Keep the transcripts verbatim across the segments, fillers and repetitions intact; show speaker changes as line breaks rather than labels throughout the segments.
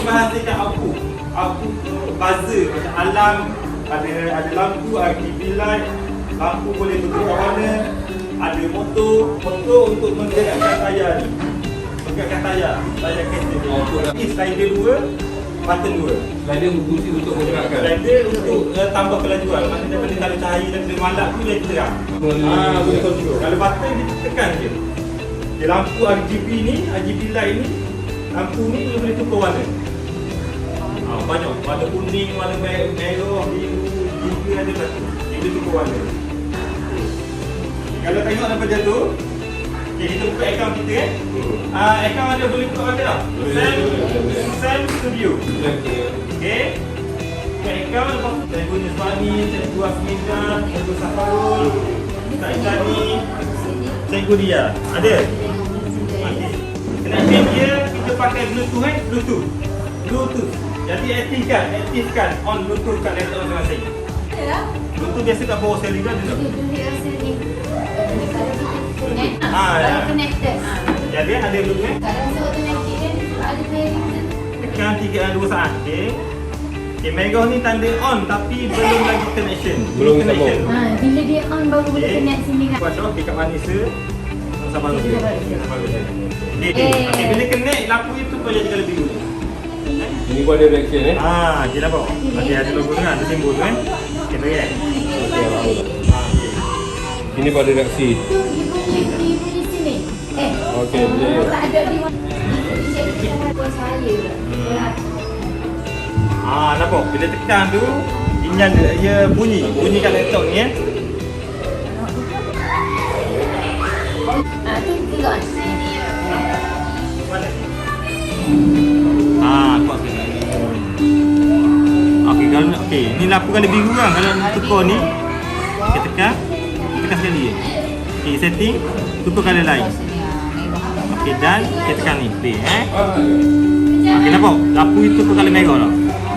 menghasilkan output. Output tu buzzer macam alarm, ada ada lampu R G B light, lampu boleh bertukar warna, ada motor, motor untuk menggerakkan tayar ni. Menggerakkan tayar, tayar kereta ni. Ini slider dua, button dua.
Slider berfungsi untuk menggerakkan.
Slider untuk uh, tambah kelajuan. Maksudnya daripada kalau cahaya daripada malap tu jadi terang. Ah, boleh control. Kalau button dia tekan je. Okay, lampu R G B ni, R G B light ni, lampu ni dia boleh tukar warna. Ah, banyak. Warna kuning, warna merah, biru, biru ada satu. Dia boleh tukar warna. Kalau tengok daripada tu, okay, kita buka akaun kita kan. Ah, akaun ada boleh buka warna tak? Sam, Sam Studio. Okay. Buka akaun, saya guna Suami, saya guna Asmida, saya guna Safarul, Kak Islami, saya guna dia. Ada? Okay. Connection dia, kita pakai Bluetooth kan? Bluetooth. Bluetooth. Jadi aktifkan, aktifkan on Bluetooth kat laptop masing-masing. Bluetooth biasa kat bawah sekali kan?
Dia rasa ni. Kalau kita connect,
Ah, ya.
kalau connected.
Jadi ada Bluetooth kan?
Kalau rasa automatic kan ada pairing tu.
Tekan tiga dua saat. Okey. Okey, merah ni tanda on tapi belum lagi connection.
Belum
connection.
Ha, bila dia on baru boleh
Okey.
connect sini kan.
Kuasa okey kat mana se? Sama
Okey,
dia.
sama dia.
Sama dia. Okey.
Eh.
Okey, bila connect lampu itu tu jadi kalau biru.
Ini pun ada reaction eh.
Ah, okey nampak. Okey, ada logo tu kan, ada simbol tu kan. Okey, baik kan?
Okey, alhamdulillah.
Ah, okey.
Ini pun ada reaksi.
Tu dia bunyi di bunyi sini. Eh.
Okey,
oh,
boleh.
tak ada di mana. Dia cakap buat saya.
Ah, nampak? Bila tekan tu dia dia bunyi, bunyi kat laptop ni eh.
Ah, tu gerak.
Mana? Ah, kuat sikit. Okey, kalau okey, ni lampu kali biru kan. Kalau nak tukar ni, kita tekan, tekan sekali je. Okey, setting, tukar kali lain. Okey, dan kita tekan ni, play eh. Okey, nampak? Lampu itu tukar kali merah dah.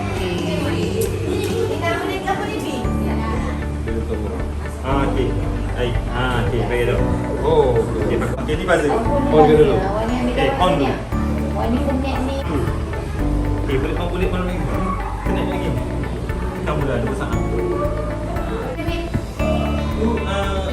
Ah, okey. Baik. Ah, okey, baik dah.
Oh,
Okey,
okey.
okey, ni buzzer.
On ke dulu?
Okey, on dulu.
Warna connect ni.
Tu. Okey, boleh on boleh on lagi. Connect lagi. Kamu dah ada pasang. Tu ah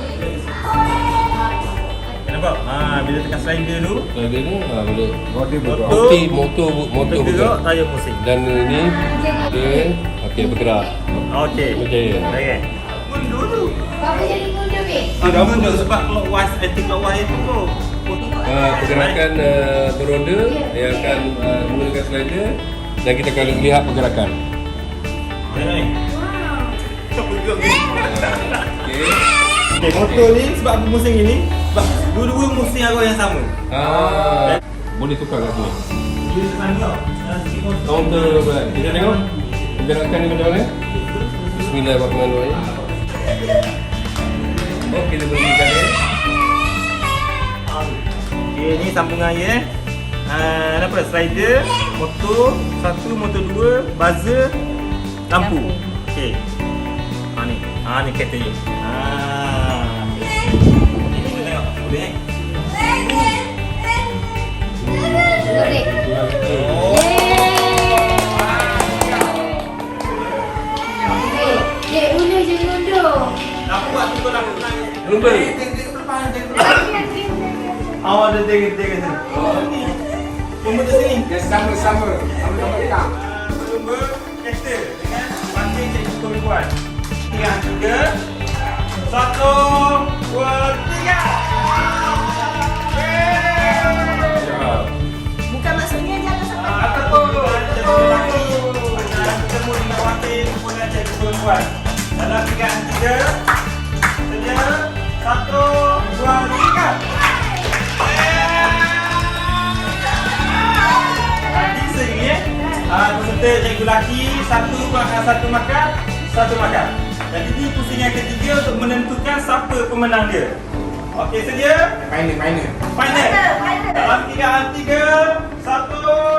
nampak? Ah, bila tekan slider tu,
Slider ni ah, boleh. Motor
Motor.
Okey, motor motor
bergerak,
bergerak.
tayar pusing.
Dan ini dia okey bergerak.
Okey.
Berjaya.
Baik. Mundur tu.
Apa jadi mundur weh?
Ah, mundur sebab clockwise, anti clockwise tu tu.
Uh, pergerakan uh, beroda dia akan uh, menggunakan slider dan kita akan lihat pergerakan.
Baik. Siapa juga?
Okey.
Okey, motor ni sebab musim ini, sebab dua-dua musim arah yang sama.
Ah, boleh tukar kat sini.
Dia sana.
Counter berat. Kita tengok pergerakan ni macam mana? Bismillahirrahmanirrahim. Oh, kita berikan dia.
Okey, ni sambungan ya. Ah, apa? Slider, motor satu, motor dua, buzzer, lampu. Okey. Ha ni. Ha ni kereta ni. Ah. Ini kita tengok. Boleh eh?
Boleh.
Oh.
Eh, eh, undur je undur.
Lampu buat tu kau lampu nak.
Lumba.
Awak ada jaga-jaga sini. Oh ni. Lumba tu sini.
Dia sama-sama. Sama-sama tak?
Lumba kereta dengan pakai cikgu perempuan. Tiga, tiga. Satu, dua, tiga.
Bukan maksudnya jangan sampai
Ah, apa tu? Cikgu lelaki. Ada ketemu dengan wakil kemudian cikgu perempuan. Dalam tiga, tiga. Sedia. Satu, dua, tiga. Lagi sini eh. Ah, peserta cikgu lelaki satu makan satu makan satu makan. Jadi ini pusingan ketiga untuk menentukan siapa pemenang dia. Okey, sedia?
Final, final.
Final. Dalam tiga, tiga, satu.